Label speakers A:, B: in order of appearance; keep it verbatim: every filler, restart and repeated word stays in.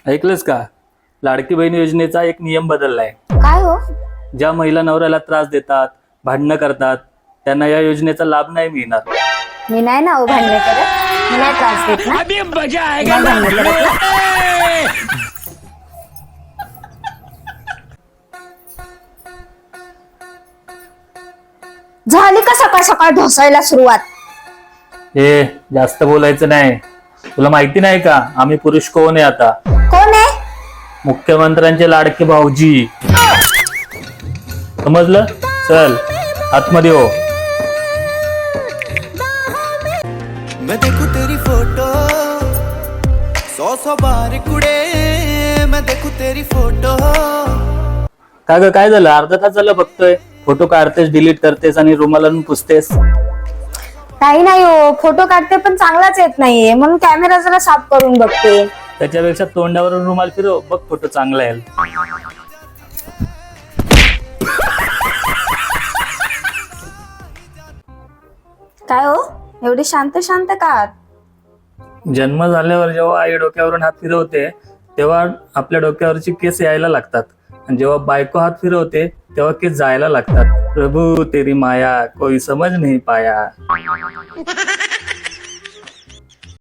A: ऐकलंस का? लाडकी बहीण योजनेचा एक नियम बदललाय.
B: काय हो?
A: ज्या महिला नवऱ्याला त्रास देतात, भांडणं करतात, त्यांना या योजनेचा लाभ नाही मिळणार.
B: मी नाही ना हो भांडण करत, मी नाही त्रास देत ना. मी नाही भांडण करत ना. झाली का सकाळ सकाळ ढोसायला सुरुवात?
A: हे जास्त बोलायचं नाही. तुला माहिती नाही का आम्ही पुरुष कोण आहे आता?
B: कोण आहे?
A: मुख्यमंत्र्यांचे लाडके भाऊजी. समजलं? चल आतमध्ये हो.
C: मैं देखूं तेरी फोटो सौ सौ बार कुड़े, मैं देखूं तेरी फोटो.
A: का ग काय झालं? अर्धा तास झालं बघतोय. फोटो काढतेस, डिलीट करतेस आणि रुमाला आणून पुसतेस.
B: काही नाही हो, फोटो काढते पण चांगलाच येत नाहीये म्हणून कॅमेरा जरा साफ करून बघते.
A: त्याच्यापेक्षा तोंडावरून रुमाल फिरव, बघ फोटो चांगला येईल.
B: काय हो, एवढी शांत शांत का आहात?
A: जन्म झाल्यावर जेव्हा आई डोक्यावरून हात फिरवते तेव्हा आपल्या डोक्यावरची केस यायला लागतात, आणि जेव्हा बायको हात फिरवते तेव्हा केस जायला लागतात. प्रभू तेरी माया कोई समज नहीं पाया.